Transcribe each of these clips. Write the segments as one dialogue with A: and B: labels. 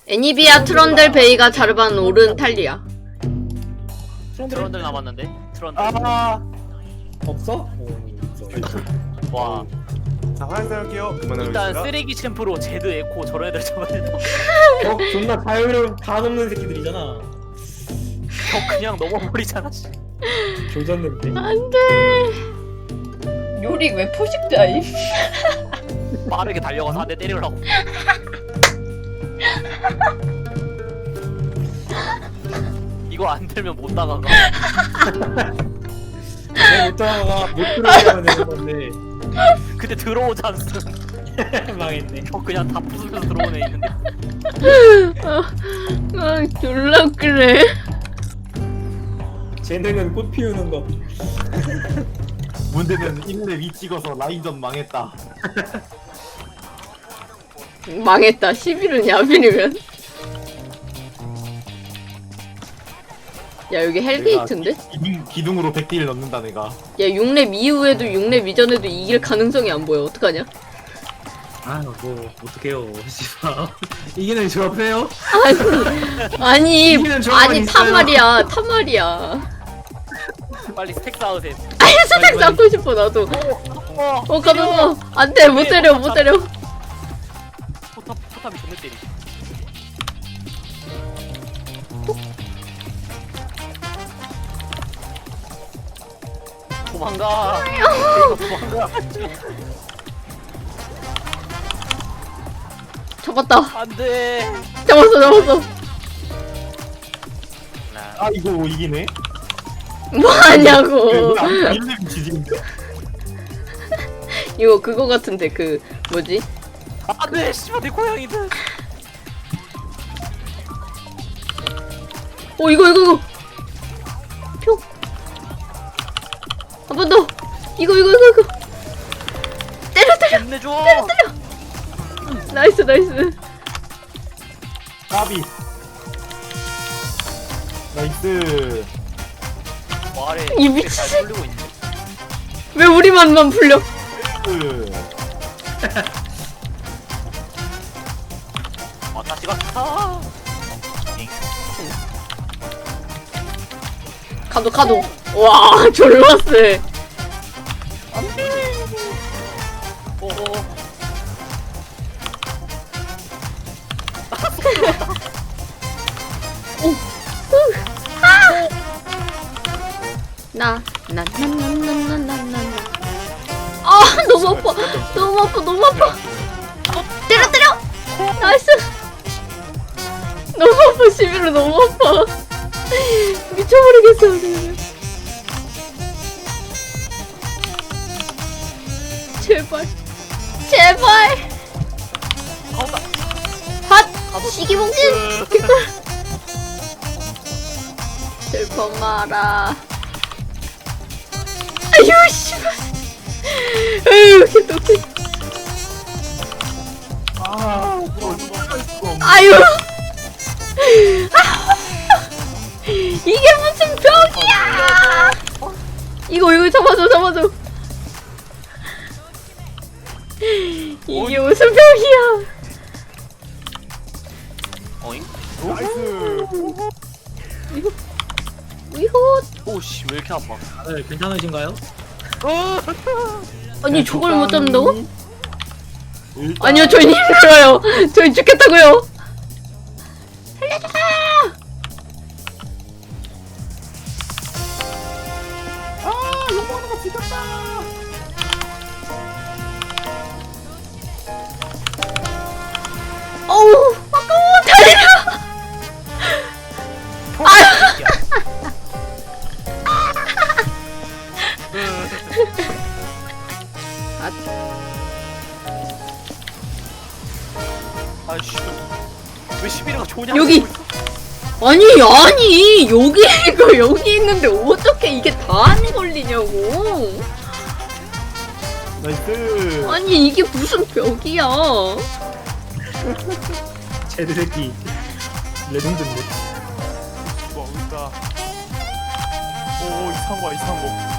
A: 애니비아, 트런들, 베이가, 자르반, 오른, 탈리아.
B: 트런들 남았는데? 트런들.
C: 없어?
B: 와.
D: 자, 화장실할게요.
B: 일단 쓰레기 챔프로 제드, 에코 저런 애들 잡아야 돼.
C: 존나 자유로운 다 넘는 새끼들이잖아.
B: 그냥 넘어버리잖아. 씨.
C: 조졌는데.
A: 안 돼. 요리 왜 포식자임?
B: 빠르게 달려가서 한 대 때리려고. 이거 안 들면 못 나가가.
C: 내가 못 들어가 못 들어가면 되는 건데.
B: 근데 들어오지 않음.
C: 망했네.
B: 그냥 다 부수면서 들어오네 있는데.
A: 졸라 그래.
C: 쟤네는 꽃 피우는 거.
D: 문제는 1렙 2 찍어서 라인전 망했다.
A: 망했다. 11은 야빈이면. 야 여기 헬게이트인데?
D: 기둥으로 100딜 넣는다 내가.
A: 야 6렙 이후에도 6렙 이전에도 이길 가능성이 안 보여. 어떡하냐?
C: 뭐 어떡해요. 씨발. 이기는 저 앞에요?
A: 아니
C: 이기는 저만
A: 아니 탄
C: 있어요.
A: 말이야. 탄 말이야.
B: 빨리 스택 쌓으세요.
A: 아니 스택 쌓고 싶어 나도. 가면서 안돼 못 때려 못 때려.
B: 포탑이 존나 때리. 도망가. 도망가.
A: 잡았다.
B: 안돼.
A: 잡았어.
D: 아 이거 이기네.
A: 뭐 하냐고.
D: 1렙 지진인데?
A: 이거 그거 같은데 그 뭐지?
B: 안돼. 씨발 내 고양이들.
A: 이거 표. 한 번 더. 이거 때려.
B: 혼내줘.
A: 나이스.
D: 까비. 나이스.
B: 와래.
A: 이 미친
B: 잘 돌리고 있네.
A: 왜 우리만만 풀려?
B: 다시 갔다.
A: 가도. 와 졸라 세.
B: 오오.
A: 나. 아 너무 아파. 때려. 나이스. 너무 아파 11로 너무 아파. 미쳐버리겠어 그냥. 제발.
B: 가온다.
A: 핫 시기봉진. 슬퍼 마라. 아유 씨발. 아유 개떡해. 아유. 이게 무슨 벽이야? 이거 잡아줘. 이게 무슨 벽이야?
B: 어잉?
D: 나이스.
A: 이거
B: 오씨 왜 이렇게 아파?
C: 다들 괜찮으신가요?
A: 아니 저걸 못 잡는다고?
D: 일단
A: 아니요 저희 힘들어요. 저희 죽겠다고요. 살려줘.
D: 요거는 지켰다.
A: 어우 아까워. 달려.
B: 아이씨 왜 11위가 좋냐?
A: 여기. 아니 여기 있는데 어떻게 이게 다 안 걸리냐고.
D: 나이스.
A: 아니 이게 무슨 벽이야.
C: 쟤들 새끼 레전드인데.
D: 뭔가. 오 이상한 거.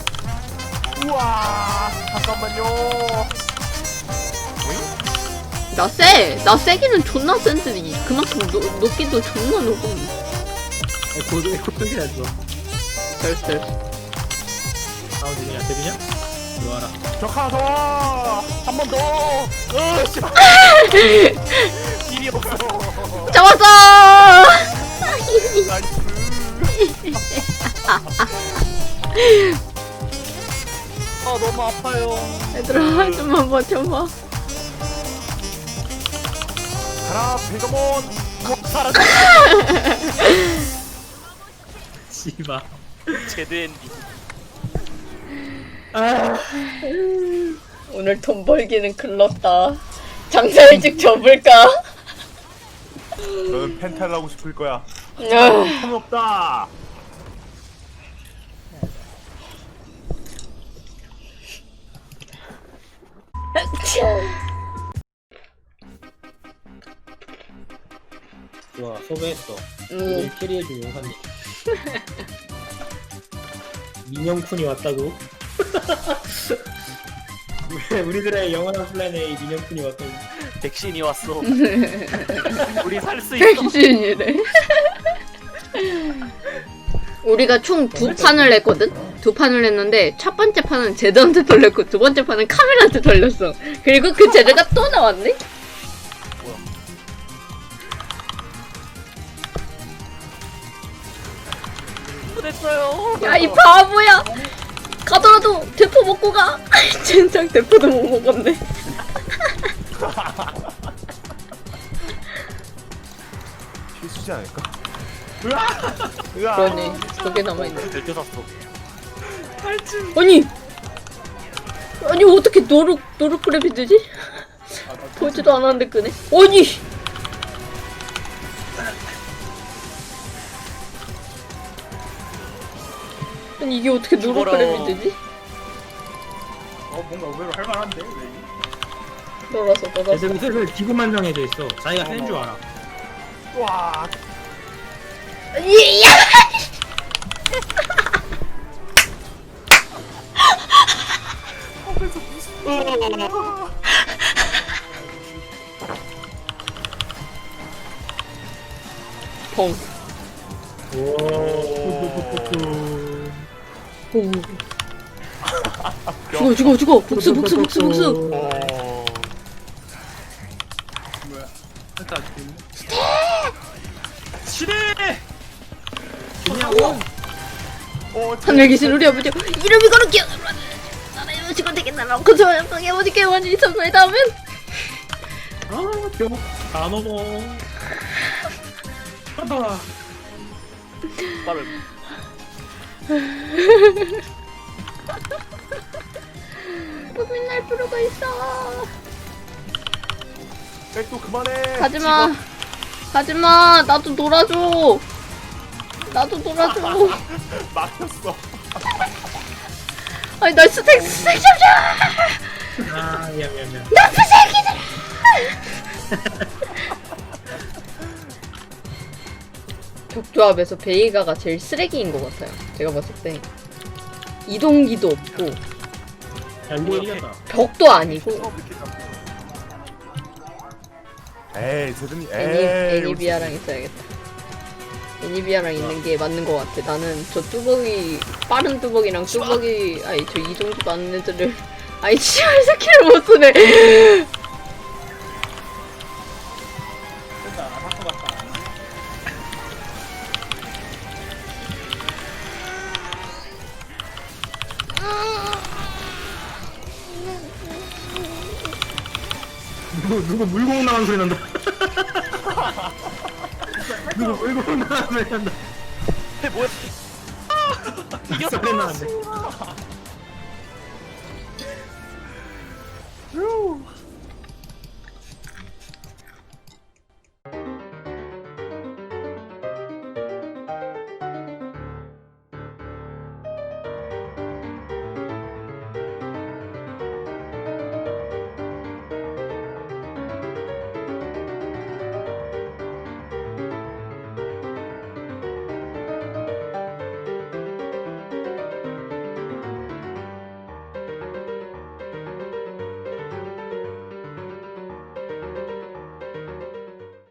D: 우와 잠깐만요.
A: 나 쎄! 나 세기는 존나 센데 그만큼 높기도 존나 높고.
C: 고등이 났어.
A: 됐어.
C: 다운 중이야. 데뷔냐? 들어와라.
D: 적 하나 더! 한 번 더! 씨발! 길이 없어!
A: 잡았어!
D: 나이스!
B: 아 너무 아파요.
A: 얘들아, 좀만 버텨봐.
D: 가라, 베가몬!
B: 사라졌어.
C: 씨발.
B: 제드 엔딩.
A: 오늘 돈 벌기는 글렀다. 장사 일찍 접을까?
D: 너는 펜탈 하고 싶을 거야.
A: 아,
D: 통 없다!
C: 좋아, 소개했어.
A: 음.
C: 우리 캐리해준 용사님. 민영쿤이 왔다고? 우리들의 영원한 플랜에 민영쿤이 왔다고.
B: 백신이 왔어. 우리 살 수 있어.
A: 백신이래. 우리가 총 2판을 했거든? 2판을 했는데 첫 번째 판은 제드한테 돌렸고 두 번째 판은 카메라한테 돌렸어. 그리고 그 제드가 또 나왔네?
B: 됐어요.
A: 야, 이 바보야! 가더라도 대포 먹고 가! 젠장 대포도 못 먹었네.
D: 필수지 않을까? 으아!
A: 그러네. 저게 남아있네.
B: 들켰었어.
A: 아니! 아니, 어떻게 노루크랩이 되지? 보지도 않았는데 끄네? 아니! 아니, 이게 어떻게 노루크랩이 되지?
D: 뭔가 의외로 할만한데?
A: 놀았어.
C: 지금 슬슬 기구만장해져 있어. 자기가 하는 줄 알아.
D: 와!
A: 이야! 펑.
C: 오.
A: 죽어. 복수.
D: 어... 시대!
C: 그냥
A: 하늘 계신 우리 아버지 이름이 거룩해. 나라의 시간 되겠나? 고소한 방에 아버지께 원인이 있었나이 다음엔
C: 다 먹어. 봐봐.
B: 빠른.
A: 고민 날 필요가 있어.
D: 백도 그만해!
A: 가지마. 나도 놀아줘.
D: 막혔어.
A: 아니 나 스택 잡자.
C: 아, 미안.
A: 나쁜 새끼들. 격조합에서 베이가가 제일 쓰레기인 것 같아요. 제가 봤을 때 이동기도 없고
C: 야, 이거 이겼다.
A: 벽도 아니고
D: 에이, 세준이, 에이.
A: 애니비아랑 있어야겠다. 애니비아랑 있는 게 맞는 것 같아. 나는 저 뚜벅이 빠른 뚜벅이랑 뚜벅이 아니 저 이동기도 않는 애들을 아이 치열 스킬을 못 쓰네.
C: 누구 물공 나간 소리 난다. 누구 물공 나간 소리 난다.
B: 뭐야? 이겼어.
C: 소리 나는데.
D: 휴.